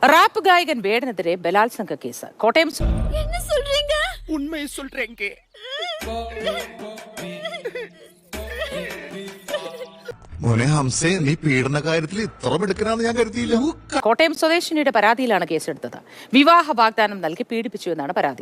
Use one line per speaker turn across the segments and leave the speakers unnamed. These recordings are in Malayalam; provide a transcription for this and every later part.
റാപ്പ് ഗായകൻ വേടനെതിരെ ബലാത്സംഗ കേസ്. കോട്ടയം
മോനെ ഹംസേ, നീ പീഡന കാര്യത്തിൽ ഇത്ര മിടുക്കനാണെന്ന് ഞാൻ കരുതിയില്ല.
കോട്ടയം സ്വദേശിനിയുടെ പരാതിയിലാണ് കേസെടുത്തത്. വിവാഹ വാഗ്ദാനം നൽകി പീഡിപ്പിച്ചു എന്നാണ് പരാതി.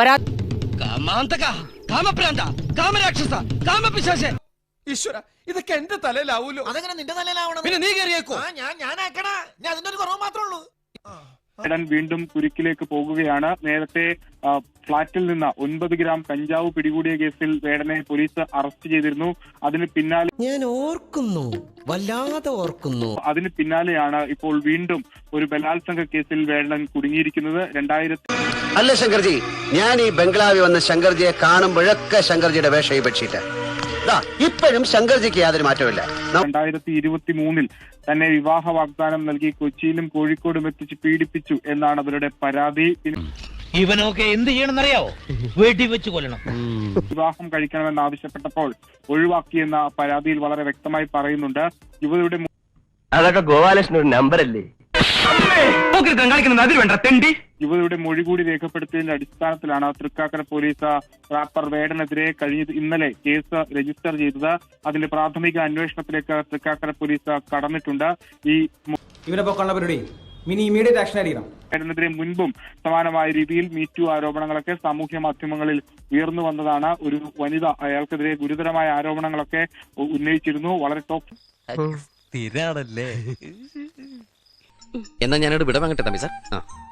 ഈശ്വര, ഇതൊക്കെ എന്റെ തലയിലാവൂലോ?
അതെങ്ങനെ നിന്റെ തലയിലാവണം?
പിന്നെ നീ കയറിയേക്കോ?
ഞാനാക്കടാ, ഞാൻ അതിന്റെ ഒരു കുറവ് മാത്രമേ ഉള്ളൂ.
വേടൻ വീണ്ടും കുരുക്കിലേക്ക് പോകുകയാണ്. നേരത്തെ ഫ്ളാറ്റിൽ നിന്ന് 9 ഗ്രാം കഞ്ചാവ് പിടികൂടിയ കേസിൽ വേടനെ പോലീസ് അറസ്റ്റ് ചെയ്തിരുന്നു. അതിന് പിന്നാലെ
ഞാൻ ഓർക്കുന്നു, വല്ലാതെ ഓർക്കുന്നു.
അതിന് പിന്നാലെയാണ് ഇപ്പോൾ വീണ്ടും ഒരു ബലാത്സംഗ കേസിൽ വേടൻ കുടുങ്ങിയിരിക്കുന്നത്. 2000
അല്ല ശങ്കർജി, ഞാൻ ഈ ബംഗ്ലാവിൽ വന്ന ശങ്കർജിയെ കാണുമ്പോഴൊക്കെ ശങ്കർജിയുടെ വേഷം പറ്റിയിട്ട് ഇപ്പോഴും ശങ്കർജിക്ക് യാതൊരു മാറ്റമില്ല.
2023 തന്നെ വിവാഹ വാഗ്ദാനം നൽകി കൊച്ചിയിലും കോഴിക്കോടും എത്തിച്ച് പീഡിപ്പിച്ചു എന്നാണ് അവരുടെ പരാതി.
ഇവനൊക്കെ എന്ത് ചെയ്യണമെന്നറിയാവോ? വെടിവെച്ച് കൊല്ലണം.
വിവാഹം കഴിക്കണമെന്നാവശ്യപ്പെട്ടപ്പോൾ ഒഴിവാക്കിയെന്ന പരാതിയിൽ വളരെ വ്യക്തമായി പറയുന്നുണ്ട്. യുവതിയുടെ
അതൊക്കെ ഗോപാലകൃഷ്ണൻ ഒരു നമ്പറല്ലേ?
യുവതിയുടെ മൊഴി കൂടി രേഖപ്പെടുത്തിയതിന്റെ അടിസ്ഥാനത്തിലാണ് തൃക്കാക്കര പോലീസ് റാപ്പർ വേടനെതിരെ ഇന്നലെ കേസ് രജിസ്റ്റർ ചെയ്തത്. അതിന്റെ പ്രാഥമിക അന്വേഷണത്തിലേക്ക് തൃക്കാക്കര പോലീസ് കടന്നിട്ടുണ്ട്. വേടനെതിരെ മുൻപും സമാനമായ രീതിയിൽ മീറ്റു ആരോപണങ്ങളൊക്കെ സാമൂഹ്യ മാധ്യമങ്ങളിൽ ഉയർന്നു വന്നതാണ്. ഒരു വനിത അയാൾക്കെതിരെ ഗുരുതരമായ ആരോപണങ്ങളൊക്കെ ഉന്നയിച്ചിരുന്നു. വളരെ
സ്ഥിരാണല്ലേ.
എന്നാ ഞാനോട് വിട വാങ്ങട്ടെ തമ്പി സാർ.